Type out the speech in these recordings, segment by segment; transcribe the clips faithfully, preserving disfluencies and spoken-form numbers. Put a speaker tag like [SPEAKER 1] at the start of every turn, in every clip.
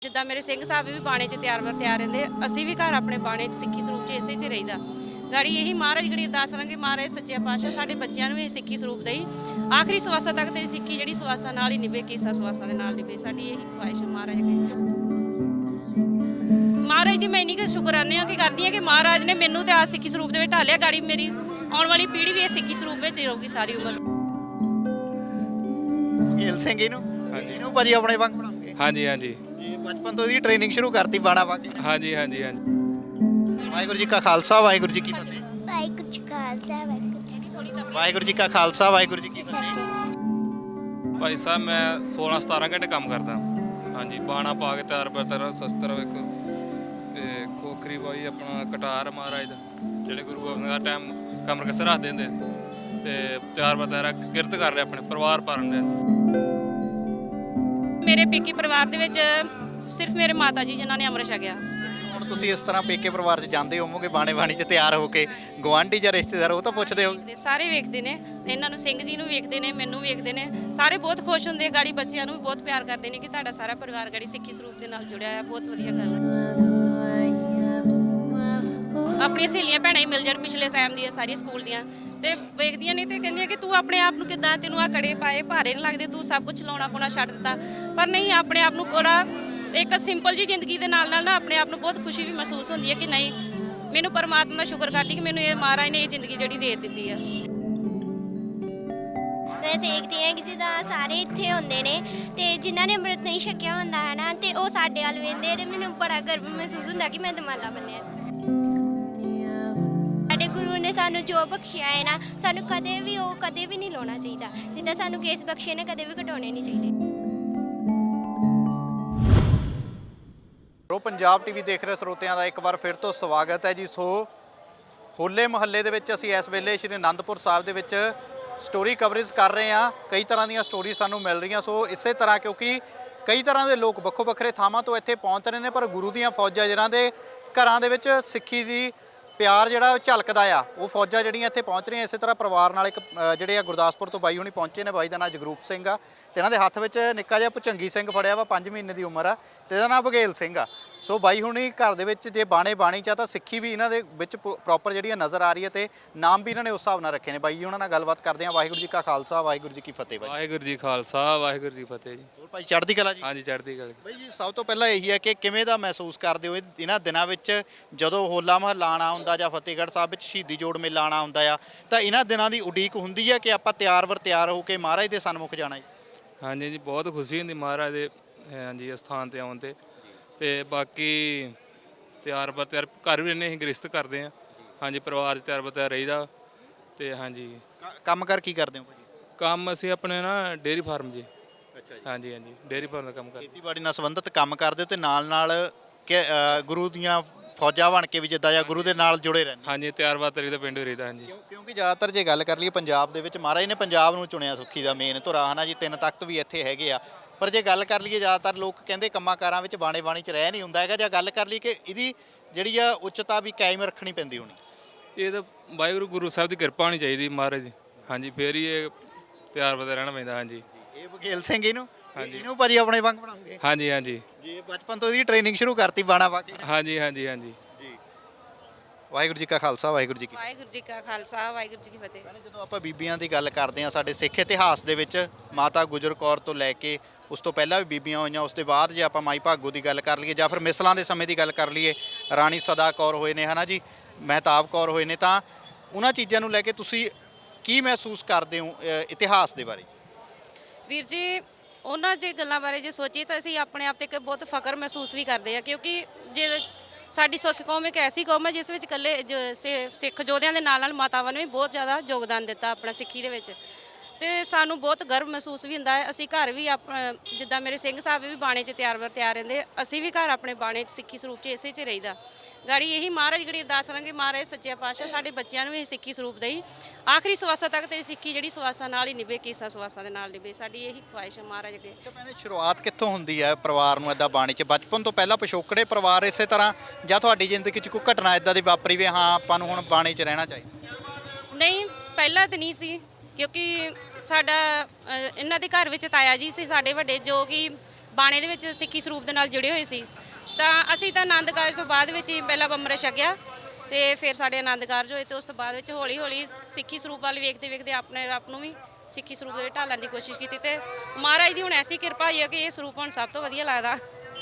[SPEAKER 1] ਜਿੱਦਾਂ ਮੇਰੇ ਸਿੰਘ ਸਾਹਿਬ ਵੀ ਬਾਣੇ 'ਚ ਤਿਆਰ ਵਰ ਤਿਆਰ ਰਹਿੰਦੇ, ਅਸੀਂ ਵੀ ਘਰ ਆਪਣੇ ਬਾਣੇ 'ਚ ਸਿੱਖੀ ਸਰੂਪ 'ਚ ਇਸੇ 'ਚ ਰਹੀਦਾ। ਗਾੜੀ ਇਹੀ ਮਹਾਰਾਜ ਗੜੀ ਅਰਦਾਸ ਕਰਾਂਗੇ, ਮਹਾਰਾਜ ਸੱਚੇ ਪਾਤਸ਼ਾਹ ਸਾਡੇ ਬੱਚਿਆਂ ਨੂੰ ਵੀ ਸਿੱਖੀ ਸਰੂਪ ਦੇਈ, ਆਖਰੀ ਸਵਾਸਾਂ ਤੱਕ ਤੇ ਸਿੱਖੀ ਜਿਹੜੀ ਸਵਾਸਾਂ ਨਾਲ ਹੀ ਨਿਭੇ, ਕੀਸਾ ਸਵਾਸਾਂ ਦੇ ਨਾਲ ਨਿਭੇ। ਸਾਡੀ ਇਹੀ ਖੁਆਇਸ਼ ਮਹਾਰਾਜ ਅੱਗੇ। ਮਹਾਰਾਜ ਦੀ ਮੈਂ ਇੰਨੀ ਕੁ ਸ਼ੁਕਰਾਨੇ ਆ ਕਿ ਕਰਦੀ ਹਾਂ ਕਿ ਮਹਾਰਾਜ ਨੇ ਮੈਨੂੰ ਤੇ ਆ ਸਿੱਖੀ ਸਰੂਪ ਦੇ ਵਿੱਚ ਢਾਲਿਆ। ਗਾੜੀ ਮੇਰੀ ਆਉਣ ਵਾਲੀ ਪੀੜ੍ਹੀ ਵੀ ਇਹ ਸਿੱਖੀ ਸਰੂਪ ਵਿੱਚ ਹੀ ਰਹੂਗੀ ਸਾਰੀ ਉਮਰ।
[SPEAKER 2] ਗਿੱਲ ਸਿੰਘ ਇਹਨੂੰ ਇਹਨੂੰ ਭਾਜੀ ਆਪਣੇ ਵਾਂਗ ਬਣਾਉਂਗੇ।
[SPEAKER 3] ਹਾਂਜੀ ਹਾਂਜੀ
[SPEAKER 2] ਜੀ ਬਚਪਨ ਤੋਂ ਇਹਦੀ ਟ੍ਰੇਨਿੰਗ ਸ਼ੁਰੂ ਕਰਤੀ ਬਾਣਾ ਪਾ ਕੇ।
[SPEAKER 3] ਹਾਂਜੀ ਹਾਂਜੀ ਹਾਂਜੀ
[SPEAKER 2] ਵਾਹਿਗੁਰੂ ਜੀ ਕਾ ਖਾਲਸਾ ਵਾਹਿਗੁਰੂ ਜੀ ਕੀ ਫਤਿਹ।
[SPEAKER 4] ਵਾਹਿਗੁਰੂ ਜੀ ਕਾ ਖਾਲਸਾ ਵਾਹਿਗੁਰੂ ਜੀ ਕੀ ਫਤਿਹ।
[SPEAKER 2] ਵਾਹਿਗੁਰੂ ਜੀ ਕਾ ਖਾਲਸਾ ਵਾਹਿਗੁਰੂ ਜੀ ਕੀ ਫਤਿਹ।
[SPEAKER 3] ਭਾਈ ਸਾਹਿਬ ਮੈਂ ਸੋਲਾਂ ਸਤਾਰਾਂ ਘੰਟੇ ਕੰਮ ਕਰਦਾ। ਹਾਂਜੀ ਬਾਣਾ ਪਾ ਕੇ ਤਿਆਰ ਬਰ ਤਿਆਰ ਸ਼ਸਤਰ ਇੱਕ ਤੇ ਖੋਖਰੀ ਪਾਈ ਆਪਣਾ ਕਟਾਰ ਮਹਾਰਾਜ ਦਾ, ਜਿਹੜੇ ਗੁਰੂ ਗੋਬਿੰਦ ਸਿੰਘ ਦਾ ਟਾਈਮ ਕਮਰ ਕਸਰ ਰੱਖ ਦਿੰਦੇ ਤੇ ਤਿਆਰ ਬਰ ਤਿਆਰ ਕਿਰਤ ਕਰ ਰਹੇ ਆਪਣੇ ਪਰਿਵਾਰ ਪਾਲਣ ਦੇ।
[SPEAKER 1] ਮੇਰੇ ਪੇਕੀ ਪਰਿਵਾਰ ਦੇ ਵਿੱਚ ਸਿਰਫ ਮੇਰੇ ਮਾਤਾ ਜੀ ਜਿਨ੍ਹਾਂ ਨੇ ਅੰਮ੍ਰਿਤ ਛਕਿਆ।
[SPEAKER 2] ਹੁਣ ਤੁਸੀਂ ਇਸ ਤਰ੍ਹਾਂ ਪੇਕੇ ਪਰਿਵਾਰ 'ਚ ਜਾਂਦੇ ਹੋਵੋਗੇ ਬਾਣੇ ਬਾਣੀ 'ਚ ਤਿਆਰ ਹੋ ਕੇ, ਗਵਾਂਢੀ ਜਾਂ ਰਿਸ਼ਤੇਦਾਰ ਉਹ ਤਾਂ ਪੁੱਛਦੇ ਹੋ?
[SPEAKER 1] ਸਾਰੇ ਵੇਖਦੇ ਨੇ ਇਹਨਾਂ ਨੂੰ, ਸਿੰਘ ਜੀ ਨੂੰ ਵੇਖਦੇ ਨੇ, ਮੈਨੂੰ ਵੇਖਦੇ ਨੇ, ਸਾਰੇ ਬਹੁਤ ਖੁਸ਼ ਹੁੰਦੇ। ਗਾੜੀ ਬੱਚਿਆਂ ਨੂੰ ਵੀ ਬਹੁਤ ਪਿਆਰ ਕਰਦੇ ਨੇ ਕਿ ਤੁਹਾਡਾ ਸਾਰਾ ਪਰਿਵਾਰ ਗਾੜੀ ਸਿੱਖੀ ਸਰੂਪ ਦੇ ਨਾਲ ਜੁੜਿਆ ਹੈ। ਬਹੁਤ ਵਧੀਆ ਗੱਲ ਹੈ। ਆਪਣੀਆਂ ਸਹੇਲੀਆਂ ਭੈਣਾਂ ਹੀ ਮਿਲ ਜਾਣ ਪਿਛਲੇ ਟਾਈਮ ਦੀਆਂ ਸਾਰੀਆਂ ਸਕੂਲ ਦੀਆਂ, ਤੇ ਵੇਖਦੀਆਂ ਨੇ ਤੇ ਕਹਿੰਦੀਆਂ ਕਿ ਤੂੰ ਆਪਣੇ ਆਪ ਨੂੰ ਕਿੱਦਾਂ, ਤੈਨੂੰ ਆ ਕੜੇ ਪਾਏ ਭਾਰੇ ਨਹੀਂ ਲੱਗਦੇ, ਤੂੰ ਸਭ ਕੁਝ ਲਾਉਣਾ ਪਾਉਣਾ ਛੱਡ ਦਿੱਤਾ। ਪਰ ਨਹੀਂ, ਆਪਣੇ ਆਪ ਨੂੰ ਪੂਰਾ ਇੱਕ ਸਿੰਪਲ ਜੀ ਜ਼ਿੰਦਗੀ ਦੇ ਨਾਲ ਨਾਲ ਨਾ ਆਪਣੇ ਆਪ ਨੂੰ ਬਹੁਤ ਖੁਸ਼ੀ ਵੀ ਮਹਿਸੂਸ ਹੁੰਦੀ ਹੈ ਕਿ ਨਹੀਂ, ਮੈਨੂੰ ਪਰਮਾਤਮਾ ਦਾ ਸ਼ੁਕਰ ਕਰਦੀ ਕਿ ਮੈਨੂੰ ਇਹ ਮਹਾਰਾਜ ਨੇ ਇਹ ਜ਼ਿੰਦਗੀ ਜਿਹੜੀ ਦੇ ਦਿੱਤੀ ਆ।
[SPEAKER 4] ਮੈਂ ਦੇਖਦੀ ਹਾਂ ਕਿ ਜਿੱਦਾਂ ਸਾਰੇ ਇੱਥੇ ਹੁੰਦੇ ਨੇ ਤੇ ਜਿਨ੍ਹਾਂ ਨੇ ਅੰਮ੍ਰਿਤ ਨਹੀਂ ਛਕਿਆ ਹੁੰਦਾ ਹੈ ਨਾ, ਤੇ ਉਹ ਸਾਡੇ ਵੱਲ ਵੇਖਦੇ ਨੇ। ਮੈਨੂੰ ਬੜਾ ਗਰਵ ਮਹਿਸੂਸ ਹੁੰਦਾ ਕਿ ਮੈਂ ਦਮਾਲਾ ਬੰਨਿਆ। ਸਾਡੇ ਗੁਰੂ ਨੇ ਸਾਨੂੰ ਜੋ ਬਖਸ਼ਿਆ ਹੈ ਨਾ, ਸਾਨੂੰ ਕਦੇ ਵੀ ਉਹ ਕਦੇ ਵੀ ਨਹੀਂ ਲਾਉਣਾ ਚਾਹੀਦਾ। ਜਿੱਦਾਂ ਸਾਨੂੰ ਕੇਸ ਬਖਸ਼ੇ ਨੇ, ਕਦੇ ਵੀ ਘਟਾਉਣੇ ਨਹੀਂ ਚਾਹੀਦੇ।
[SPEAKER 2] ਪ੍ਰੋ ਪੰਜਾਬ ਟੀਵੀ ਦੇਖ ਰਹੇ ਸਰੋਤਿਆਂ ਦਾ ਇੱਕ ਵਾਰ ਫਿਰ ਤੋਂ ਸਵਾਗਤ ਹੈ ਜੀ। ਸੋ ਹੋਲੇ ਮਹੱਲੇ ਦੇ ਵਿੱਚ ਅਸੀਂ ਇਸ ਵੇਲੇ ਸ਼੍ਰੀ ਅਨੰਦਪੁਰ ਸਾਹਿਬ ਦੇ ਵਿੱਚ ਸਟੋਰੀ ਕਵਰੇਜ ਕਰ ਰਹੇ ਹਾਂ। ਕਈ ਤਰ੍ਹਾਂ ਦੀਆਂ ਸਟੋਰੀ ਸਾਨੂੰ ਮਿਲ ਰਹੀਆਂ। ਸੋ ਇਸੇ ਤਰ੍ਹਾਂ ਕਿਉਂਕਿ ਕਈ ਤਰ੍ਹਾਂ ਦੇ ਲੋਕ ਵੱਖੋ ਵੱਖਰੇ ਥਾਵਾਂ ਤੋਂ ਇੱਥੇ ਪਹੁੰਚ ਰਹੇ ਨੇ, ਪਰ ਗੁਰੂ ਦੀਆਂ ਫੌਜਾਂ ਜਿਹਨਾਂ ਦੇ ਘਰਾਂ ਦੇ ਵਿੱਚ ਸਿੱਖੀ ਦੀ ਪਿਆਰ ਜਿਹੜਾ ਉਹ ਝਲਕਦਾ ਆ, ਉਹ ਫੌਜਾਂ ਜਿਹੜੀਆਂ ਇੱਥੇ ਪਹੁੰਚ ਰਹੀਆਂ। ਇਸੇ ਤਰ੍ਹਾਂ ਪਰਿਵਾਰ ਨਾਲ ਇੱਕ ਜਿਹੜੇ ਆ ਗੁਰਦਾਸਪੁਰ ਤੋਂ ਬਾਈ ਹੁਣੀ ਪਹੁੰਚੇ ਨੇ। ਬਾਈ ਦਾ ਨਾਮ ਜਗਰੂਪ ਸਿੰਘ ਆ ਤੇ ਇਹਨਾਂ ਦੇ ਹੱਥ ਵਿੱਚ ਨਿੱਕਾ ਜਿਹਾ ਭੁਚੰਗੀ ਸਿੰਘ ਫੜਿਆ ਵਾ, ਪੰਜ ਮਹੀਨੇ ਦੀ ਉਮਰ ਆ, ਤੇ ਇਹਦਾ ਨਾਮ ਬਘੇਲ ਸਿੰਘ ਆ। ਸੋ ਬਾਈ ਹੁਣੀ ਘਰ ਦੇ ਵਿੱਚ ਜੇ ਬਾਣੇ ਬਾਣੀ ਚ ਤਾਂ ਸਿੱਖੀ ਵੀ ਇਹਨਾਂ ਦੇ ਵਿੱਚ ਪ੍ਰੋਪਰ ਜਿਹੜੀ ਨਜ਼ਰ ਆ ਰਹੀ ਹੈ ਤੇ ਨਾਮ ਵੀ ਇਹਨਾਂ ਨੇ ਉਸ ਹਿਸਾਬ ਨਾਲ ਰੱਖੇ ਨੇ। ਬਾਈ ਜੀ ਉਹਨਾਂ ਨਾਲ ਗੱਲਬਾਤ ਕਰਦੇ ਆ। ਵਾਹਿਗੁਰੂ ਜੀ ਕਾ ਖਾਲਸਾ ਵਾਹਿਗੁਰੂ ਜੀ ਕੀ ਫਤਿਹ। ਬਾਈ
[SPEAKER 3] ਵਾਹਿਗੁਰੂ ਜੀ ਖਾਲਸਾ ਵਾਹਿਗੁਰੂ ਜੀ ਫਤਿਹ ਜੀ।
[SPEAKER 2] ਹੋਰ ਭਾਈ ਚੜ੍ਹਦੀ ਕਲਾ ਜੀ?
[SPEAKER 3] ਹਾਂਜੀ ਚੜ੍ਹਦੀ ਕਲਾ।
[SPEAKER 2] ਬਾਈ ਜੀ ਸਭ ਤੋਂ ਪਹਿਲਾਂ ਇਹੀ ਹੈ ਕਿ ਕਿਵੇਂ ਦਾ ਮਹਿਸੂਸ ਕਰਦੇ ਹੋ ਇਹਨਾਂ ਦਿਨਾਂ ਵਿੱਚ ਜਦੋਂ ਹੋਲਾ ਮਹੱਲਾ ਆਉਣਾ ਹੁੰਦਾ ਜਾਂ ਫਤਿਹਗੜ੍ਹ ਸਾਹਿਬ ਵਿੱਚ ਸ਼ਹੀਦੀ ਜੋੜ ਮੇਲਾ ਆਉਣਾ ਹੁੰਦਾ ਆ, ਤਾਂ ਇਹਨਾਂ ਦਿਨਾਂ ਦੀ ਉਡੀਕ ਹੁੰਦੀ ਹੈ ਕਿ ਆਪਾਂ ਤਿਆਰ ਵਰ ਤਿਆਰ ਹੋ ਕੇ ਮਹਾਰਾਜ ਦੇ ਸਨਮੁਖ ਜਾਣਾ ਜੀ? ਹਾਂਜੀ
[SPEAKER 3] ਜੀ ਬਹੁਤ ਖੁਸ਼ੀ ਹੁੰਦੀ ਮਹਾਰਾਜ ਦੇ ਹਾਂਜੀ ਅਸਥਾਨ 'ਤੇ ਆਉਣ 'ਤੇ। ਤੇ ਬਾਕੀ ਤਿਆਰ ਬਰ ਤਿਆਰ ਘਰ ਵੀ ਰਹਿੰਦੇ, ਅਸੀਂ ਗ੍ਰਸਤ ਕਰਦੇ ਹਾਂ। ਹਾਂਜੀ ਪਰਿਵਾਰ 'ਚ ਤਿਆਰ ਬਰ ਤਿਆਰ ਰਹੀਦਾ। ਤੇ ਹਾਂਜੀ
[SPEAKER 2] ਕੰਮ ਕਰ ਕੀ ਕਰਦੇ ਹੋ ਭਾਜੀ?
[SPEAKER 3] ਕੰਮ ਅਸੀਂ ਆਪਣੇ ਨਾ ਡੇਅਰੀ ਫਾਰਮ ਜੀ।
[SPEAKER 2] ਅੱਛਾ ਜੀ।
[SPEAKER 3] ਹਾਂਜੀ ਹਾਂਜੀ ਡੇਅਰੀ ਫਾਰਮ ਦਾ ਕੰਮ ਕਰਦੇ।
[SPEAKER 2] ਖੇਤੀਬਾੜੀ ਨਾਲ ਸੰਬੰਧਿਤ ਕੰਮ ਕਰਦੇ ਹੋ ਤੇ ਨਾਲ ਨਾਲ ਕਿ ਗੁਰੂ ਦੀਆਂ ਫੌਜਾਂ ਬਣ ਕੇ ਵੀ ਜਿੱਦਾਂ ਜਾਂ ਗੁਰੂ ਦੇ ਨਾਲ ਜੁੜੇ ਰਹਿੰਦੇ?
[SPEAKER 3] ਹਾਂਜੀ ਤਿਆਰ ਬਰ ਤਿਆਰ ਦਾ ਪਿੰਡ ਵੀ ਰਹੀਦਾ। ਹਾਂਜੀ
[SPEAKER 2] ਕਿਉਂਕਿ ਜ਼ਿਆਦਾਤਰ ਜੇ ਗੱਲ ਕਰ ਲਈਏ ਪੰਜਾਬ ਦੇ ਵਿੱਚ ਮਹਾਰਾਜ ਨੇ ਪੰਜਾਬ ਨੂੰ ਚੁਣਿਆ ਸੁੱਖੀ ਦਾ ਮੇਨ ਧੁਰਾ ਹੈ ਨਾ ਜੀ। ਤਿੰਨ ਤਖਤ ਵੀ ਇੱਥੇ ਹੈਗੇ ਆ, ਪਰ ਜੇ ਗੱਲ ਕਰ ਲਈਏ ਜ਼ਿਆਦਾਤਰ ਲੋਕ ਕਹਿੰਦੇ ਕੰਮਾਂ ਕਾਰਾਂ ਵਿੱਚ ਬਾਣੇ ਬਾਣੀ 'ਚ ਰਹਿ ਨਹੀਂ ਹੁੰਦਾ ਹੈਗਾ। ਜਾਂ ਗੱਲ ਕਰ ਲਈ ਕਿ ਇਹਦੀ ਜਿਹੜੀ ਆ ਉੱਚਤਾ ਵੀ ਕਾਇਮ ਰੱਖਣੀ ਪੈਂਦੀ ਹੋਣੀ।
[SPEAKER 3] ਇਹ ਤਾਂ ਵਾਹਿਗੁਰੂ ਗੁਰੂ ਸਾਹਿਬ ਦੀ ਕਿਰਪਾ ਹੋਣੀ ਚਾਹੀਦੀ ਮਹਾਰਾਜ ਦੀ। ਹਾਂਜੀ ਫੇਰ ਹੀ ਇਹ ਤਿਆਰ ਬਰ ਤਿਆਰ ਰਹਿਣਾ ਪੈਂਦਾ। ਹਾਂਜੀ
[SPEAKER 2] ਇਹ ਬਘੇਲ ਸਿੰਘ ਇਹਨੂੰ ਇਹਨੂੰ ਭਾਜੀ ਆਪਣੇ ਵਾਂਗ ਬਣਾਉਂਗੇ?
[SPEAKER 3] ਹਾਂਜੀ ਹਾਂਜੀ
[SPEAKER 2] ਜੀ ਬਚਪਨ ਤੋਂ ਇਹਦੀ ਟ੍ਰੇਨਿੰਗ ਸ਼ੁਰੂ ਕਰਤੀ ਬਾਣਾ ਪਾ ਕੇ?
[SPEAKER 3] ਹਾਂਜੀ ਹਾਂਜੀ ਹਾਂਜੀ
[SPEAKER 2] ਜੀ। ਵਾਹਿਗੁਰੂ ਜੀ ਕਾ ਖਾਲਸਾ ਵਾਹਿਗੁਰੂ ਜੀ ਕੀ
[SPEAKER 1] ਵਾਹਿਗੁਰੂ ਜੀ ਕਾ ਖਾਲਸਾ ਵਾਹਿਗੁਰੂ ਜੀ ਕੀ ਫਤਿਹ।
[SPEAKER 2] ਜਦੋਂ ਆਪਾਂ ਬੀਬੀਆਂ ਦੀ ਗੱਲ ਕਰਦੇ ਹਾਂ, ਸਾਡੇ ਸਿੱਖ ਇਤਿਹਾਸ ਦੇ ਵਿੱਚ ਮਾਤਾ ਗੁਜਰ ਕੌਰ ਤੋਂ ਲੈ ਕੇ ਉਸ ਤੋਂ ਪਹਿਲਾਂ ਵੀ ਬੀਬੀਆਂ ਹੋਈਆਂ, ਉਸ ਤੋਂ ਬਾਅਦ ਜੇ ਆਪਾਂ ਮਾਈ ਭਾਗੋ ਦੀ ਗੱਲ ਕਰ ਲਈਏ ਜਾਂ ਫਿਰ ਮਿਸਲਾਂ ਦੇ ਸਮੇਂ ਦੀ ਗੱਲ ਕਰ ਲਈਏ, ਰਾਣੀ ਸਦਾ ਕੌਰ ਹੋਏ ਨੇ ਹੈ ਨਾ ਜੀ, ਮਹਿਤਾਬ ਕੌਰ ਹੋਏ ਨੇ, ਤਾਂ ਉਹਨਾਂ ਚੀਜ਼ਾਂ ਨੂੰ ਲੈ ਕੇ ਤੁਸੀਂ ਕੀ ਮਹਿਸੂਸ ਕਰਦੇ ਹੋ ਇਤਿਹਾਸ ਦੇ ਬਾਰੇ?
[SPEAKER 1] ਵੀਰ ਜੀ ਉਹਨਾਂ ਜੇ ਗੱਲਾਂ ਬਾਰੇ ਜੇ ਸੋਚੀਏ ਤਾਂ ਅਸੀਂ ਆਪਣੇ ਆਪ ਤੇ ਇੱਕ ਬਹੁਤ ਫਖਰ ਮਹਿਸੂਸ ਵੀ ਕਰਦੇ ਆ, ਕਿਉਂਕਿ ਜੇ ਸਾਡੀ ਸਿੱਖ ਕੌਮ ਇੱਕ ਐਸੀ ਕੌਮ ਹੈ ਜਿਸ ਵਿੱਚ ਇਕੱਲੇ ਸਿੱਖ ਯੋਧਿਆਂ ਦੇ ਨਾਲ ਨਾਲ ਮਾਤਾਵਾਂ ਨੇ ਵੀ ਬਹੁਤ ਜ਼ਿਆਦਾ ਯੋਗਦਾਨ ਦਿੱਤਾ ਆਪਣਾ ਸਿੱਖੀ ਦੇ ਵਿੱਚ, ਤੇ ਸਾਨੂੰ ਬਹੁਤ ਗਰਵ ਮਹਿਸੂਸ ਵੀ ਹੁੰਦਾ ਹੈ। ਅਸੀਂ ਘਰ ਵੀ ਆਪਣਾ ਜਿੱਦਾਂ ਮੇਰੇ ਸਿੰਘ ਸਾਹਿਬ ਵੀ ਬਾਣੇ 'ਚ ਤਿਆਰ ਵਰ ਤਿਆਰ ਰਹਿੰਦੇ, ਅਸੀਂ ਵੀ ਘਰ ਆਪਣੇ ਬਾਣੇ 'ਚ ਸਿੱਖੀ ਸਰੂਪ 'ਚ ਇਸੇ 'ਚ ਰਹੀਦਾ। ਗਾੜੀ ਇਹੀ ਮਹਾਰਾਜ ਗੜੀ ਅਰਦਾਸ ਕਰਾਂਗੇ, ਮਹਾਰਾਜ ਸੱਚੇ ਪਾਤਸ਼ਾਹ ਸਾਡੇ ਬੱਚਿਆਂ ਨੂੰ ਵੀ ਸਿੱਖੀ ਸਰੂਪ ਦੇਈ, ਆਖਰੀ ਸਵਾਸਾਂ ਤੱਕ ਤੇ ਸਿੱਖੀ ਜਿਹੜੀ ਸਵਾਸਾਂ ਨਾਲ ਹੀ ਨਿਭੇ, ਕੀਸਾ ਸਵਾਸਾਂ ਦੇ ਨਾਲ ਨਿਭੇ। ਸਾਡੀ ਇਹੀ ਖੁਆਇਸ਼ ਹੈ ਮਹਾਰਾਜ ਅੱਗੇ।
[SPEAKER 2] ਭੈਣੇ ਸ਼ੁਰੂਆਤ ਕਿੱਥੋਂ ਹੁੰਦੀ ਹੈ ਪਰਿਵਾਰ ਨੂੰ ਇੱਦਾਂ ਬਾਣੀ 'ਚ? ਬਚਪਨ ਤੋਂ ਪਹਿਲਾਂ ਪਿਛੋਕੜੇ ਪਰਿਵਾਰ ਇਸੇ ਤਰ੍ਹਾਂ, ਜਾਂ ਤੁਹਾਡੀ ਜ਼ਿੰਦਗੀ 'ਚ ਕੋਈ ਘਟਨਾ ਇੱਦਾਂ ਦੀ ਵਾਪਰੀ ਵੀ ਹਾਂ ਆਪਾਂ ਨੂੰ ਹੁਣ ਬਾਣੀ 'ਚ ਰਹਿਣਾ ਚਾਹੀਦਾ?
[SPEAKER 1] ਨਹੀਂ ਪਹਿਲਾਂ ਤਾਂ ਨਹੀਂ ਸੀ, ਕਿਉਂਕਿ ਸਾਡਾ ਇਹਨਾਂ ਦੇ ਘਰ ਵਿੱਚ ਤਾਇਆ ਜੀ ਸੀ ਸਾਡੇ ਵੱਡੇ, ਜੋ ਕਿ ਬਾਣੇ ਦੇ ਵਿੱਚ ਸਿੱਖੀ ਸਰੂਪ ਦੇ ਨਾਲ ਜੁੜੇ ਹੋਏ ਸੀ। ਤਾਂ ਅਸੀਂ ਤਾਂ ਆਨੰਦ ਕਾਰਜ ਤੋਂ ਬਾਅਦ ਵਿੱਚ ਹੀ ਪਹਿਲਾਂ ਅੰਮ੍ਰਿਤ ਛਕਿਆ ਤੇ ਫਿਰ ਸਾਡੇ ਆਨੰਦ ਕਾਰਜ ਹੋਏ ਤੇ ਉਸ ਤੋਂ ਬਾਅਦ ਵਿੱਚ ਹੌਲੀ ਹੌਲੀ ਸਿੱਖੀ ਸਰੂਪ ਵੱਲ ਵੇਖਦੇ ਵੇਖਦੇ ਆਪਣੇ ਆਪ ਨੂੰ ਵੀ ਸਿੱਖੀ ਸਰੂਪ ਦੇ ਵਿੱਚ ਢਾਲਣ ਦੀ ਕੋਸ਼ਿਸ਼ ਕੀਤੀ ਤੇ ਮਹਾਰਾਜ ਦੀ ਹੁਣ ਐਸੀ ਕਿਰਪਾ ਹੋਈ ਹੈ ਕਿ ਇਹ ਸਰੂਪ ਹੁਣ ਸਭ ਤੋਂ ਵਧੀਆ ਲੱਗਦਾ।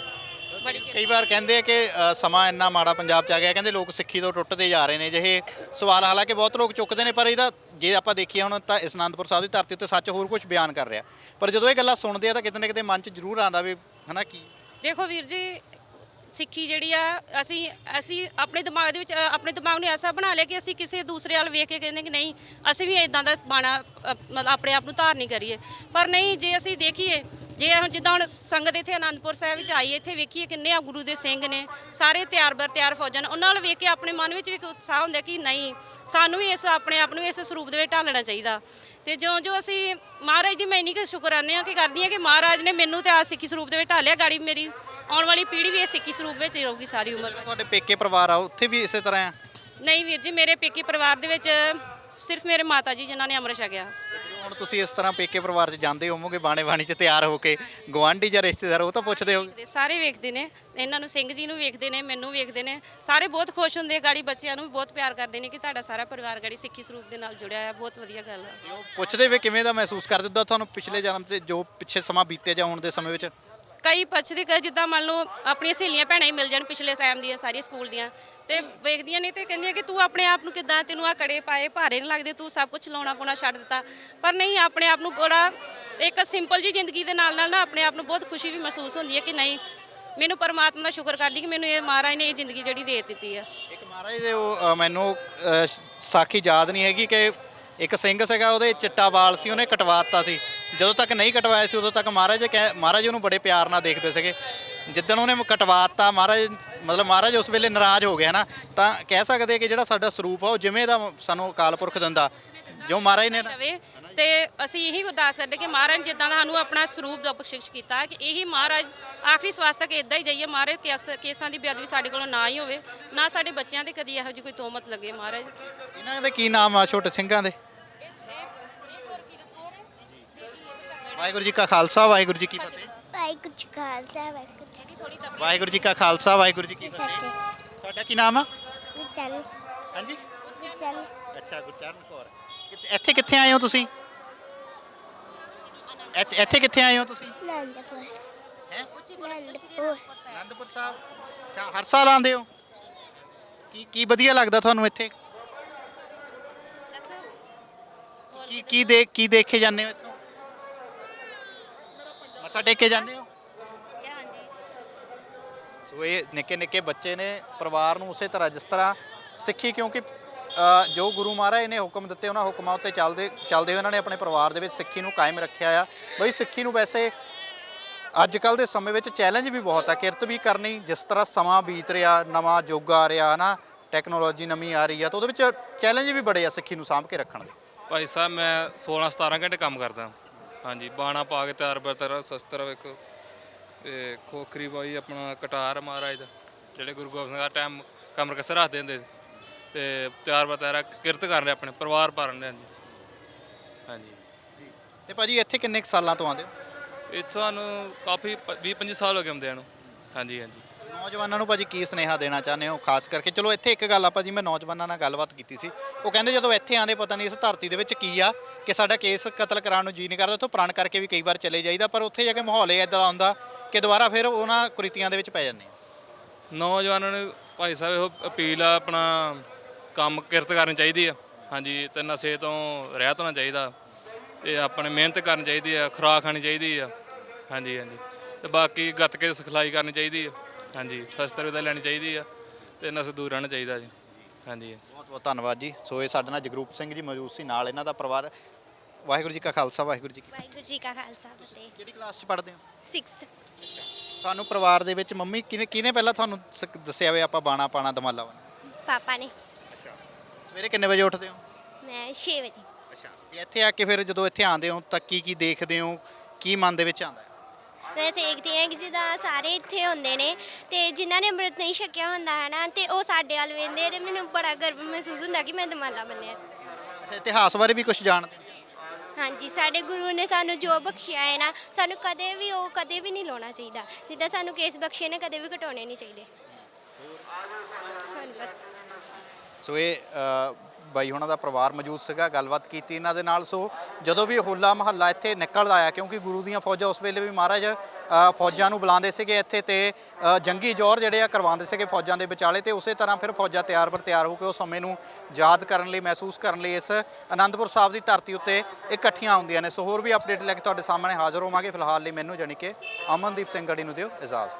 [SPEAKER 1] ਬੜੀ
[SPEAKER 2] ਕਈ ਵਾਰ ਕਹਿੰਦੇ ਆ ਕਿ ਅ, ਸਮਾਂ ਇੰਨਾ ਮਾੜਾ ਪੰਜਾਬ 'ਚ ਆ ਗਿਆ, ਕਹਿੰਦੇ ਲੋਕ ਸਿੱਖੀ ਤੋਂ ਟੁੱਟਦੇ ਜਾ ਰਹੇ ਨੇ ਜਿਹੇ ਸਵਾਲ, ਹਾਲਾਂਕਿ ਬਹੁਤ ਲੋਕ ਚੁੱਕਦੇ ਨੇ, ਪਰ ਇਹਦਾ ਜੇ ਆਪਾਂ ਦੇਖੀਏ ਹੁਣ ਤਾਂ ਇਸ ਅਨੰਦਪੁਰ ਸਾਹਿਬ ਦੀ ਧਰਤੀ ਉੱਤੇ ਸੱਚ ਹੋਰ ਕੁਝ ਬਿਆਨ ਕਰ ਰਿਹਾ, ਪਰ ਜਦੋਂ ਇਹ ਗੱਲਾਂ ਸੁਣਦੇ ਆ ਤਾਂ ਕਿਤੇ ਨਾ ਕਿਤੇ ਮਨ 'ਚ ਜ਼ਰੂਰ ਆਉਂਦਾ ਵੀ ਹਨਾ ਕੀ
[SPEAKER 1] ਦੇਖੋ ਵੀਰ ਜੀ, ਸਿੱਖੀ ਜਿਹੜੀ ਆ ਅਸੀਂ ਅਸੀਂ ਆਪਣੇ ਦਿਮਾਗ ਦੇ ਵਿੱਚ ਅ, ਆਪਣੇ ਦਿਮਾਗ ਨੂੰ ਐਸਾ ਬਣਾ ਲਿਆ ਕਿ ਅਸੀਂ ਕਿਸੇ ਦੂਸਰੇ ਵੱਲ ਵੇਖ ਕੇ ਕਹਿੰਦੇ ਕਿ ਨਹੀਂ ਅਸੀਂ ਵੀ ਇਦਾਂ ਦਾ ਬਾਣਾ ਅ, ਮਤਲਬ ਆਪਣੇ ਆਪ ਨੂੰ ਧਾਰਨੀ ਕਰੀਏ। ਪਰ ਨਹੀਂ, ਜੇ ਅਸੀਂ ਦੇਖੀਏ, ਜੇ ਹੁਣ ਜਿੱਦਾਂ ਹੁਣ ਸੰਗਤ ਇੱਥੇ ਆਨੰਦਪੁਰ ਸਾਹਿਬ ਵਿੱਚ ਆਈ, ਇੱਥੇ ਵੇਖੀਏ ਕਿੰਨੇ ਆ ਗੁਰੂ ਦੇ ਸਿੰਘ ਨੇ, ਸਾਰੇ ਤਿਆਰ ਬਰ ਤਿਆਰ ਫੌਜਾਂ ਨੇ, ਉਹਨਾਂ ਵੱਲ ਵੇਖ ਕੇ ਆਪਣੇ ਮਨ ਵਿੱਚ ਵੀ ਇੱਕ ਉਤਸ਼ਾਹ ਹੁੰਦਾ ਕਿ ਨਹੀਂ ਸਾਨੂੰ ਵੀ ਇਸ ਆਪਣੇ ਆਪ ਨੂੰ ਇਸ ਸਰੂਪ ਦੇ ਵਿੱਚ ਢਾਲਣਾ ਚਾਹੀਦਾ। ਤੇ ਜਿਉਂ ਜੋ ਅਸੀਂ ਮਹਾਰਾਜ ਦੀ ਮੈਂ ਇੰਨੀ ਕੁ ਸ਼ੁਕਰਾਨੇ ਆ ਕਿ ਕਰਦੀ ਹਾਂ ਕਿ ਮਹਾਰਾਜ ਨੇ ਮੈਨੂੰ ਤੇ ਆ ਸਿੱਖੀ ਸਰੂਪ ਦੇ ਵਿੱਚ ਢਾਲਿਆ, ਗਾੜੀ ਮੇਰੀ ਆਉਣ ਵਾਲੀ ਪੀੜ੍ਹੀ ਵੀ ਇਹ ਸਿੱਖੀ ਸਰੂਪ ਵਿੱਚ ਹੀ ਰਹੂਗੀ ਸਾਰੀ ਉਮਰ।
[SPEAKER 2] ਤੁਹਾਡੇ ਪੇਕੇ ਪਰਿਵਾਰ ਆ ਉੱਥੇ ਵੀ ਇਸੇ ਤਰ੍ਹਾਂ ਆ?
[SPEAKER 1] ਨਹੀਂ ਵੀਰ ਜੀ, ਮੇਰੇ ਪੇਕੇ ਪਰਿਵਾਰ ਦੇ ਵਿੱਚ ਸਿਰਫ ਮੇਰੇ ਮਾਤਾ ਜੀ ਜਿਨ੍ਹਾਂ ਨੇ ਅੰਮ੍ਰਿਤ ਛਕਿਆ।
[SPEAKER 2] ਹੁਣ ਤੁਸੀਂ ਇਸ ਤਰ੍ਹਾਂ ਪੇਕੇ ਪਰਿਵਾਰ 'ਚ ਜਾਂਦੇ ਹੋਵੋਗੇ ਬਾਣੇ ਬਾਣੀ 'ਚ ਤਿਆਰ ਹੋ ਕੇ, ਗੁਆਂਢੀ ਜਾਂ ਰਿਸ਼ਤੇਦਾਰ ਉਹ ਤਾਂ ਪੁੱਛਦੇ ਹੋ?
[SPEAKER 1] ਵੇਖਦੇ, ਸਾਰੇ ਵੇਖਦੇ ਨੇ, ਇਹਨਾਂ ਨੂੰ ਸਿੰਘ ਜੀ ਨੂੰ ਵੇਖਦੇ ਨੇ, ਮੈਨੂੰ ਵੇਖਦੇ ਨੇ, ਸਾਰੇ ਬਹੁਤ ਖੁਸ਼ ਹੁੰਦੇ ਆ, ਗਾੜੀ ਬੱਚਿਆਂ ਨੂੰ ਵੀ ਬਹੁਤ ਪਿਆਰ ਕਰਦੇ ਨੇ ਕਿ ਤੁਹਾਡਾ ਸਾਰਾ ਪਰਿਵਾਰ ਗਾੜੀ ਸਿੱਖੀ ਸਰੂਪ ਦੇ ਨਾਲ ਜੁੜਿਆ ਹੈ, ਬਹੁਤ ਵਧੀਆ ਗੱਲ ਹੈ।
[SPEAKER 2] ਉਹ ਪੁੱਛਦੇ ਵੀ ਕਿਵੇਂ ਦਾ ਮਹਿਸੂਸ ਕਰਦੇ ਹੋ ਤੁਹਾਨੂੰ ਪਿਛਲੇ ਜਨਮ ਤੇ ਜੋ ਪਿੱਛੇ ਸਮਾਂ ਬੀਤਿਆ ਜਾਂ ਹੁਣ ਦੇ ਸਮੇਂ ਵਿੱਚ?
[SPEAKER 1] ਕਈ ਪੁੱਛਦੇ ਕਿ ਜਿੱਦਾਂ ਮੰਨ ਲਓ ਆਪਣੀਆਂ ਸਹੇਲੀਆਂ ਭੈਣਾਂ ਹੀ ਮਿਲ ਜਾਣ ਪਿਛਲੇ ਟਾਈਮ ਦੀਆਂ ਸਾਰੀ ਸਕੂਲ ਦੀਆਂ, ਤੇ ਵੇਖਦੀਆਂ ਨੇ ਤੇ ਕਹਿੰਦੀਆਂ ਕਿ ਤੂੰ ਆਪਣੇ ਆਪ ਨੂੰ ਕਿੱਦਾਂ, ਤੈਨੂੰ ਆ ਕੜੇ ਪਾਏ ਭਾਰੇ ਨਹੀਂ ਲੱਗਦੇ, ਤੂੰ ਸਭ ਕੁਝ ਲਾਉਣਾ ਪਾਉਣਾ ਛੱਡ ਦਿੱਤਾ। ਪਰ ਨਹੀਂ, ਆਪਣੇ ਆਪ ਨੂੰ ਬੜਾ ਇੱਕ ਸਿੰਪਲ ਜੀ ਜ਼ਿੰਦਗੀ ਦੇ ਨਾਲ ਨਾਲ ਨਾ ਆਪਣੇ ਆਪ ਨੂੰ ਬਹੁਤ ਖੁਸ਼ੀ ਵੀ ਮਹਿਸੂਸ ਹੁੰਦੀ ਹੈ ਕਿ ਨਹੀਂ, ਮੈਨੂੰ ਪਰਮਾਤਮਾ ਦਾ ਸ਼ੁਕਰ ਕਰਦੀ ਕਿ ਮੈਨੂੰ ਇਹ ਮਹਾਰਾਜ ਨੇ ਇਹ ਜ਼ਿੰਦਗੀ ਜਿਹੜੀ ਦੇ ਦਿੱਤੀ ਆ।
[SPEAKER 2] ਇੱਕ ਮਹਾਰਾਜ ਦੇ ਉਹ ਅ, ਮੈਨੂੰ ਅ, ਸਾਖੀ ਯਾਦ ਨਹੀਂ ਹੈਗੀ ਕਿ ਇੱਕ ਸਿੰਘ ਸੀਗਾ, ਉਹਦੇ ਚਿੱਟਾ ਵਾਲ ਸੀ, ਉਹਨੇ ਕਟਵਾ ਦਿੱਤਾ ਸੀ। ਜਦੋਂ ਤੱਕ ਨਹੀਂ ਕਟਵਾਇਆ ਸੀ ਉਦੋਂ ਤੱਕ ਮਹਾਰਾਜ ਕਹਿ ਮਹਾਰਾਜ ਉਹਨੂੰ ਬੜੇ ਪਿਆਰ ਨਾਲ ਦੇਖਦੇ ਸੀਗੇ। ਜਿੱਦਣ ਉਹਨੇ ਕਟਵਾ ਦਿੱਤਾ, ਮਹਾਰਾਜ ਮਤਲਬ ਮਹਾਰਾਜ ਉਸ ਵੇਲੇ ਨਾਰਾਜ਼ ਹੋ ਗਿਆ ਨਾ, ਤਾਂ ਕਹਿ ਸਕਦੇ ਕਿ ਜਿਹੜਾ ਸਾਡਾ ਸਰੂਪ ਆ ਉਹ ਜਿਵੇਂ ਦਾ ਸਾਨੂੰ ਅਕਾਲ ਪੁਰਖ ਦਿੰਦਾ, ਜੋ ਮਹਾਰਾਜ ਨੇ ਨਾ।
[SPEAKER 1] ਰਵੇ ਤੇ ਅਸੀਂ ਇਹੀ ਅਰਦਾਸ ਕਰਦੇ ਕਿ ਮਹਾਰਾਜ ਜਿੱਦਾਂ ਦਾ ਸਾਨੂੰ ਆਪਣਾ ਸਰੂਪ ਦਾ ਬਖਸ਼ਿਸ਼ ਕੀਤਾ ਕਿ ਇਹੀ ਮਹਾਰਾਜ ਆਖਰੀ ਸਵਾਸ ਤੱਕ ਇਦਾਂ ਹੀ ਜਾਈਏ। ਮਹਾਰਾਜ ਕੇਸ ਕੇਸਾਂ ਦੀ ਬੇਅਦਬੀ ਸਾਡੇ ਕੋਲੋਂ ਨਾ ਹੀ ਹੋਵੇ, ਨਾ ਸਾਡੇ ਬੱਚਿਆਂ ਤੇ ਕਦੀ ਇਹੋ ਜਿਹੀ ਕੋਈ ਤੋਹਮਤ ਲੱਗੇ। ਮਹਾਰਾਜ
[SPEAKER 2] ਇਹਨਾਂ ਦੇ ਕੀ ਨਾਮ ਆ ਛੋਟੇ ਸਿੰਘਾਂ ਦੇ? ਵਾਹਿਗੁਰੂ ਜੀ ਕਾ ਖਾਲਸਾ, ਵਾਹਿਗੁਰੂ ਜੀ ਕੀ ਫਤਿਹ।
[SPEAKER 4] ਵਾਹਿਗੁਰੂ ਜੀ ਕਾ ਖਾਲਸਾ, ਵਾਹਿਗੁਰੂ ਜੀ ਕੀ
[SPEAKER 2] ਵਾਹਿਗੁਰੂ ਜੀ ਕਾ ਖਾਲਸਾ, ਵਾਹਿਗੁਰੂ ਜੀ ਕੀ ਫਤਿਹ। ਤੁਹਾਡਾ ਕੀ ਨਾਮ ਆ?
[SPEAKER 4] ਫਤਿਹ।
[SPEAKER 2] ਹਾਂਜੀ,
[SPEAKER 4] ਚੱਲ
[SPEAKER 2] ਅੱਛਾ, ਗੁਰਚਰਨ ਕੌਰ। ਕਿੱਥੇ- ਇੱਥੇ ਕਿੱਥੇ ਆਏ ਹੋ ਤੁਸੀਂ? ਇੱਥੇ ਇੱਥੇ ਕਿੱਥੇ ਆਏ ਹੋ ਤੁਸੀਂ?
[SPEAKER 4] ਆਨੰਦਪੁਰ
[SPEAKER 2] ਹੈਂ?
[SPEAKER 4] ਆਨੰਦਪੁਰ
[SPEAKER 2] ਅਨੰਦਪੁਰ ਸਾਹਿਬ। ਅੱਛਾ, ਹਰ ਸਾਲ ਆਉਂਦੇ ਹੋ? ਕੀ ਕੀ ਵਧੀਆ ਲੱਗਦਾ ਤੁਹਾਨੂੰ ਇੱਥੇ? ਕੀ ਕੀ ਦੇਖ ਕੀ ਦੇਖ ਕੇ ਜਾਂਦੇ ਹੋ ਇੱਥੋਂ? ਮੱਥਾ ਟੇਕ ਕੇ ਜਾਂਦੇ ਹੋ? ਸੋ ਇਹ ਨਿੱਕੇ ਨਿੱਕੇ ਬੱਚੇ ਨੇ ਪਰਿਵਾਰ ਨੂੰ ਉਸੇ ਤਰ੍ਹਾਂ ਜਿਸ ਤਰ੍ਹਾਂ ਸਿੱਖੀ, ਕਿਉਂਕਿ ਅ, ਜੋ ਗੁਰੂ ਮਹਾਰਾਜ ਨੇ ਹੁਕਮ ਦਿੱਤੇ ਉਹਨਾਂ ਹੁਕਮਾਂ ਉੱਤੇ ਚੱਲਦੇ ਚੱਲਦੇ ਹੋਏ ਉਹਨਾਂ ਨੇ ਆਪਣੇ ਪਰਿਵਾਰ ਦੇ ਵਿੱਚ ਸਿੱਖੀ ਨੂੰ ਕਾਇਮ ਰੱਖਿਆ ਆ। ਬਈ ਸਿੱਖੀ ਨੂੰ ਵੈਸੇ ਅੱਜ ਕੱਲ੍ਹ ਦੇ ਸਮੇਂ ਵਿੱਚ ਚੈਲੰਜ ਵੀ ਬਹੁਤ ਆ, ਕਿਰਤ ਵੀ ਕਰਨੀ, ਜਿਸ ਤਰ੍ਹਾਂ ਸਮਾਂ ਬੀਤ ਰਿਹਾ, ਨਵਾਂ ਯੁੱਗ ਆ ਰਿਹਾ ਨਾ, ਟੈਕਨੋਲੋਜੀ ਨਵੀਂ ਆ ਰਹੀ ਆ, ਤਾਂ ਉਹਦੇ ਵਿੱਚ ਚੈਲੰਜ ਵੀ ਬੜੇ ਆ ਸਿੱਖੀ ਨੂੰ ਸਾਂਭ ਕੇ ਰੱਖਣ ਦੇ।
[SPEAKER 3] ਭਾਈ ਸਾਹਿਬ ਮੈਂ ਸੋਲਾਂ ਸਤਾਰਾਂ ਘੰਟੇ ਕੰਮ ਕਰਦਾ। ਹਾਂਜੀ, ਬਾਣਾ ਪਾ ਕੇ ਤਿਆਰ ਬਰ ਤਿਆਰ ਸ਼ਸਤਰ ਵੇਖੋ, ਤੇ ਖੋਖਰੀ ਬਾਈ ਆਪਣਾ ਕਟਾਰ ਮਹਾਰਾਜ ਦਾ, ਜਿਹੜੇ ਗੁਰੂ ਗੋਬਿੰਦ ਸਿੰਘ ਦਾ ਟਾਈਮ ਕਮਰ ਕਸਰ ਰੱਖਦੇ ਹੁੰਦੇ ਸੀ, ਤੇ ਤਿਆਰ ਬਰ ਤਿਆਰ ਕਿਰਤ ਕਰ ਰਹੇ ਆਪਣੇ ਪਰਿਵਾਰ ਪਾਲਣ ਦੇ। ਹਾਂਜੀ ਹਾਂਜੀ।
[SPEAKER 2] ਤੇ ਭਾਜੀ ਇੱਥੇ ਕਿੰਨੇ ਕੁ ਸਾਲਾਂ ਤੋਂ ਆਉਂਦੇ ਹੋ?
[SPEAKER 3] ਇੱਥੋਂ ਸਾਨੂੰ ਕਾਫੀ ਵੀਹ ਪੰਜੀ ਸਾਲ ਹੋ ਗਏ ਆਉਂਦਿਆਂ ਨੂੰ। ਹਾਂਜੀ ਹਾਂਜੀ।
[SPEAKER 2] ਨੌਜਵਾਨਾਂ ਨੂੰ ਭਾਜੀ ਕੀ ਸੁਨੇਹਾ ਦੇਣਾ ਚਾਹੁੰਦੇ ਹੋ ਖਾਸ ਕਰਕੇ? ਚਲੋ ਇੱਥੇ ਇੱਕ ਗੱਲ ਆਪਾਂ ਜੀ, ਮੈਂ ਨੌਜਵਾਨਾਂ ਨਾਲ ਗੱਲਬਾਤ ਕੀਤੀ ਸੀ, ਉਹ ਕਹਿੰਦੇ ਜਦੋਂ ਇੱਥੇ ਆਂਦੇ ਪਤਾ ਨਹੀਂ ਇਸ ਧਰਤੀ ਦੇ ਵਿੱਚ ਕੀ ਆ ਕਿ ਸਾਡਾ ਕੇਸ ਕਤਲ ਕਰਾਉਣ ਨੂੰ ਜੀ ਨਹੀਂ ਕਰਦਾ, ਉੱਥੋਂ ਪ੍ਰਣ ਕਰਕੇ ਵੀ ਕਈ ਵਾਰ ਚਲੇ ਜਾਈਦਾ, ਪਰ ਉੱਥੇ ਜਾ ਕੇ ਮਾਹੌਲ ਇਹ ਇੱਦਾਂ ਦਾ ਹੁੰਦਾ ਕਿ ਦੁਬਾਰਾ ਫਿਰ ਉਹਨਾਂ ਕੁਰੀਤੀਆਂ ਦੇ ਵਿੱਚ ਪੈ ਜਾਂਦੇ ਆ।
[SPEAKER 3] ਨੌਜਵਾਨਾਂ ਨੂੰ ਭਾਈ ਸਾਹਿਬ ਇਹੋ ਅਪੀਲ ਆ, ਆਪਣਾ ਕੰਮ ਕਿਰਤ ਕਰਨੀ ਚਾਹੀਦੀ ਆ। ਹਾਂਜੀ, ਤੇ ਨਸ਼ੇ ਤੋਂ ਰਹਿਤ ਹੋਣਾ ਚਾਹੀਦਾ, ਤੇ ਆਪਣੇ ਮਿਹਨਤ ਕਰਨੀ ਚਾਹੀਦੀ ਆ, ਖੁਰਾਕ ਖਾਣੀ ਚਾਹੀਦੀ ਆ। ਹਾਂਜੀ ਹਾਂਜੀ। ਤੇ ਬਾਕੀ ਗੱਤਕੇ ਦੀ ਸਿਖਲਾਈ ਕਰਨੀ ਚਾਹੀਦੀ ਆ। ਹਾਂਜੀ, ਸ਼ਸਤਰ ਵਿਦਿਆ ਲੈਣੀ ਚਾਹੀਦੀ ਆ, ਤੇ ਨਸ਼ੇ ਦੂਰ ਰਹਿਣਾ ਚਾਹੀਦਾ ਜੀ। ਹਾਂਜੀ,
[SPEAKER 2] ਬਹੁਤ ਬਹੁਤ ਧੰਨਵਾਦ ਜੀ। ਸੋ ਇਹ ਸਾਡੇ ਨਾਲ ਜਗਰੂਪ ਸਿੰਘ ਜੀ ਮੌਜੂਦ ਸੀ, ਨਾਲ ਇਹਨਾਂ ਦਾ ਪਰਿਵਾਰ। ਵਾਹਿਗੁਰੂ ਜੀ ਕਾ ਖਾਲਸਾ, ਵਾਹਿਗੁਰੂ ਜੀ ਕੀ ਫਤਿਹ।
[SPEAKER 4] ਵਾਹਿਗੁਰੂ ਜੀ ਕਾ ਖਾਲਸਾ, ਫਤਿਹ।
[SPEAKER 2] ਕਿਹੜੀ ਕਲਾਸ 'ਚ ਪੜ੍ਹਦੇ ਹੋ?
[SPEAKER 4] ਸਿਕਸਥ
[SPEAKER 2] ਤੁਹਾਨੂੰ ਪਰਿਵਾਰ ਦੇ ਵਿੱਚ ਮੰਮੀ ਕਿਹਨੇ ਕਿਹਨੇ ਪਹਿਲਾਂ ਤੁਹਾਨੂੰ ਸ- ਦੱਸਿਆ ਵੇ ਆਪਾਂ ਬਾਣਾ ਪਾਣਾ ਦਮਾਲਾ ਵਾ?
[SPEAKER 4] ਪਾਪਾ ਨੇ।
[SPEAKER 2] ਅੱਛਾ। ਸਵੇਰੇ ਕਿੰਨੇ ਵਜੇ ਉੱਠਦੇ ਹੋ?
[SPEAKER 4] ਮੈਂ ਛੇ ਵਜੇ।
[SPEAKER 2] ਅੱਛਾ। ਤੇ ਇੱਥੇ ਆ ਕੇ ਫਿਰ ਜਦੋਂ ਇੱਥੇ ਆਉਂਦੇ ਹੋ ਤਾਂ ਕੀ ਕੀ ਦੇਖਦੇ ਹੋ, ਕੀ ਮਨ ਦੇ ਵਿੱਚ ਆਉਂਦਾ ਹੈ?
[SPEAKER 4] ਮੈਂ ਦੇਖਦੀ ਹਾਂ ਕਿ ਜਿੱਦਾਂ ਸਾਰੇ ਇੱਥੇ ਹੁੰਦੇ ਨੇ ਤੇ ਜਿਨ੍ਹਾਂ ਨੇ ਅੰਮ੍ਰਿਤ ਨਹੀਂ ਛਕਿਆ ਹੁੰਦਾ ਹੈ ਨਾ, ਤੇ ਉਹ ਸਾਡੇ ਵੱਲ ਵੇਖਦੇ ਤੇ ਮੈਨੂੰ ਬੜਾ ਗਰਵ ਮਹਿਸੂਸ ਹੁੰਦਾ ਕਿ ਮੈਂ ਦਮਾਲਾ ਬੰਨਿਆ।
[SPEAKER 2] ਅੱਛਾ, ਇਤਿਹਾਸ ਬਾਰੇ ਵੀ ਕੁਝ ਜਾਣਦੇ ਹੋ?
[SPEAKER 4] ਹਾਂਜੀ ਸਾਡੇ ਗੁਰੂ ਨੇ ਸਾਨੂੰ ਜੋ ਬਖਸ਼ਿਆ ਹੈ ਨਾ ਸਾਨੂੰ ਕਦੇ ਵੀ ਉਹ ਕਦੇ ਵੀ ਨਹੀਂ ਲਾਉਣਾ ਚਾਹੀਦਾ ਜਿੱਦਾਂ ਸਾਨੂੰ ਕੇਸ ਬਖਸ਼ੇ ਨੇ ਕਦੇ ਵੀ ਘਟਾਉਣੇ ਨਹੀਂ ਚਾਹੀਦੇ ਹਾਂਜੀ ਬਸ
[SPEAKER 2] ਸੋ ਇਹ ਅ, ਬਾਈ ਹੁਣਾਂ ਦਾ ਪਰਿਵਾਰ ਮੌਜੂਦ ਸੀਗਾ, ਗੱਲਬਾਤ ਕੀਤੀ ਇਹਨਾਂ ਦੇ ਨਾਲ। ਸੋ ਜਦੋਂ ਵੀ ਹੋਲਾ ਮਹੱਲਾ ਇੱਥੇ ਨਿਕਲਦਾ ਆ, ਕਿਉਂਕਿ ਗੁਰੂ ਦੀਆਂ ਫੌਜਾਂ ਉਸ ਵੇਲੇ ਵੀ ਮਹਾਰਾਜ ਅ, ਫੌਜਾਂ ਨੂੰ ਬੁਲਾਉਂਦੇ ਸੀਗੇ ਇੱਥੇ ਤੇ ਅ, ਜੰਗੀ ਜੌਹਰ ਜਿਹੜੇ ਆ ਕਰਵਾਉਂਦੇ ਸੀਗੇ ਫੌਜਾਂ ਦੇ ਵਿਚਾਲੇ, ਤੇ ਉਸੇ ਤਰ੍ਹਾਂ ਫਿਰ ਫੌਜਾਂ ਤਿਆਰ ਬਰ ਤਿਆਰ ਹੋ ਕੇ ਉਸ ਸਮੇਂ ਨੂੰ ਯਾਦ ਕਰਨ ਲਈ, ਮਹਿਸੂਸ ਕਰਨ ਲਈ ਇਸ ਅਨੰਦਪੁਰ ਸਾਹਿਬ ਦੀ ਧਰਤੀ ਉੱਤੇ ਇਕੱਠੀਆਂ ਹੁੰਦੀਆਂ ਨੇ। ਸੋ ਹੋਰ ਵੀ ਅਪਡੇਟ ਲੈ ਕੇ ਤੁਹਾਡੇ ਸਾਹਮਣੇ ਹਾਜ਼ਰ ਹੋਵਾਂਗੇ। ਫਿਲਹਾਲ ਲਈ ਮੈਨੂੰ ਜਾਣੀ ਕਿ ਅਮਨਦੀਪ ਸਿੰਘ ਗੜੀ ਨੂੰ ਦਿਓ ਇਜਾਜ਼ਤ।